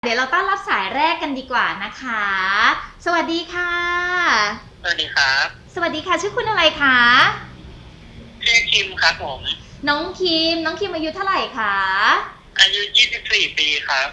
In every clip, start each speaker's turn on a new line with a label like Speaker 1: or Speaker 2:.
Speaker 1: เดี๋ยวเราต้อนรับสายแรกกันดีกว่านะคะ สวัสดีค่ะ
Speaker 2: สวัสดีครับ
Speaker 1: สวัสดีค่ะ ชื่อคุณอะไรคะ
Speaker 2: ชื่อคิมครับผม
Speaker 1: น้องคิมอายุเท่าไหร่คะ
Speaker 2: อายุ 24 ปีครับ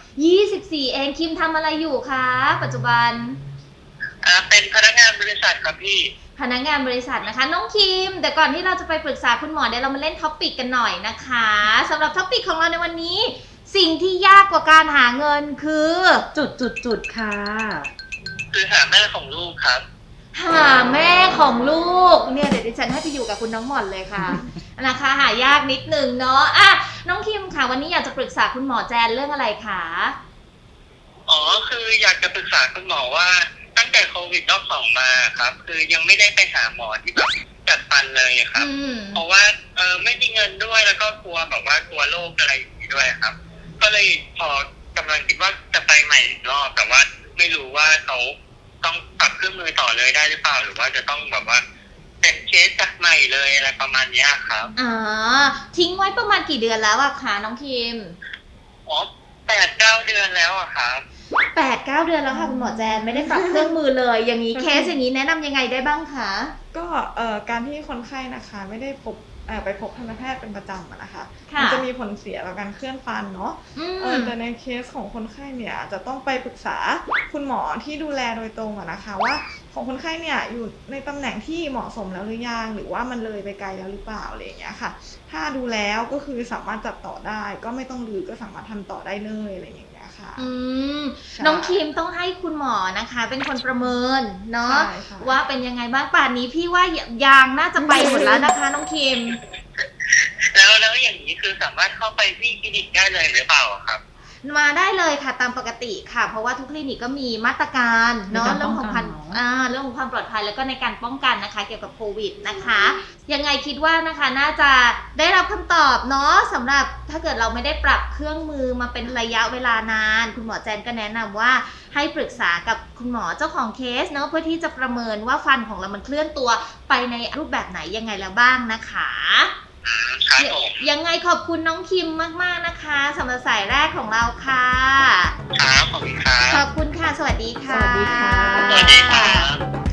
Speaker 1: 24 เอง คิมทำอะไรอยู่คะ ปัจจุบัน
Speaker 2: เป็นพนักงานบริษัทครับพี่
Speaker 1: พนักงานบริษัทนะคะ น้องคิมแต่ก่อนที่เราจะไปปรึกษาคุณหมอเดี๋ยวเรามาเล่นท็อปปิกกันหน่อยนะคะสำหรับท็อปปิกของเราในวันนี้ สิ่งที่ยากกว่าการหาเงินคือ
Speaker 3: ค่ะ
Speaker 2: คือหาแม่ของลูกครับ
Speaker 1: หาแม่ของลูกเนี่ยเดี๋ยวดิฉันให้ไปอยู่กับคุณน้องหม่อนเลยค่ะ นะคะหายากนิดหนึ่งเนาะอ่ะน้องคิมค่ะวันนี้อยากจะปรึกษาคุณหมอแจนเรื่องอะไรคะ
Speaker 2: อ๋อ คืออยากจะปรึกษาคุณหมอว่าตั้งแต่โควิดรอบสองมาครับ คือยังไม่ได้ไปหาหมอที่แบบจัดฟันเลยครับ เพราะว่าไม่มีเงินด้วยแล้วก็กลัวแบบว่ากลัวโรคอะไรอย่างนี้ด้วยครับ ก็เลยพอกำลังคิดว่าจะไปใหม่อีกรอบแต่ว่าไม่รู้ว่าเขาต้องปรับเครื่องมือต่อเลยได้หรือเปล่าหรือว่าจะต้องแบบว่าเป็นเคสจากใหม่เลยอะไรประมาณเนี้ยครับ
Speaker 1: อ๋อทิ้งไว้ประมาณกี่เดือนแล้วอะคะน้องคิม
Speaker 2: อ๋อ8-9 เดือนแล้วอะครับ
Speaker 1: 8-9 เดือนแล้วค่ะคุณหมอแจนไม่ได้ปรับเครื่องมือเลยอย่างนี้เคสอย่างนี้แนะนำยังไงได้บ้างคะ
Speaker 3: ก็การที่คนไข้นะคะไม่ได้ไปพบทันตแพทย์เป็นประจำอะนะคะ
Speaker 1: ค่ะ
Speaker 3: มันจะมีผลเสียต่อการเคลื่อนฟันเนาะ
Speaker 1: ม
Speaker 3: แต่ในเคสของคนไข้เนี่ยจะต้องไปปรึกษาคุณหมอที่ดูแลโดยตรงอะนะคะว่าของคนไข้เนี่ยอยู่ในตำแหน่งที่เหมาะสมแล้วหรือยังหรือว่ามันเลยไปไกลแล้วหรือเปล่าอะไรอย่างเงี้ยค่ะ ถ้าดูแล้วก็คือสามารถจัดต่อได้ก็ไม่ต้องรื้อก็สามารถทำต่อได้เลยอะไรอย่างเงี้ยค่ะ
Speaker 1: อืม
Speaker 3: ใช่
Speaker 1: น้องคิมต้องให้คุณหมอนะคะ เป็นคนประเมินเนาะ
Speaker 3: ใช่ค่ะ
Speaker 1: ว่าเป็นยังไงบ้างป่านนี้พี่ว่ายางน่าจะไปหมดแล้วนะคะ น้องคิม
Speaker 2: แล้วอย่างนี้คือสามารถเข้าไปที่คลินิกได้เลยหรือเปล่าครับ
Speaker 1: มาได้เลยค่ะตามปกติค่ะ เพราะว่าทุกคลินิกก็มีมาตรการเนาะ
Speaker 3: ในการ
Speaker 1: เรื่องของความ
Speaker 3: ป้องกันเนอะ
Speaker 1: เรื่องของความปลอดภัยแล้วก็ในการป้องกันนะคะ เกี่ยวกับโควิดนะคะยังไงคิดว่านะคะน่าจะได้รับคำตอบเนาะสำหรับถ้าเกิดเราไม่ได้ปรับเครื่องมือมาเป็นระยะเวลานาน คุณหมอแจนก็แนะนำว่าให้ปรึกษากับคุณหมอเจ้าของเคสเนาะเพื่อที่จะประเมินว่าฟันของเรามันเคลื่อนตัวไปในรูปแบบไหนยังไงแล้วบ้างนะคะ
Speaker 2: ครับผม
Speaker 1: ยังไงขอบคุณน้องคิมมากๆนะคะสำหรับสายแรกของเราค่ะ
Speaker 2: ครับขอบคุณครั
Speaker 1: ขอ
Speaker 2: บบ
Speaker 1: คุณค่ะ สวัสดีค่ะ
Speaker 3: สวัสดีค่ะ
Speaker 2: สวัสดีครับ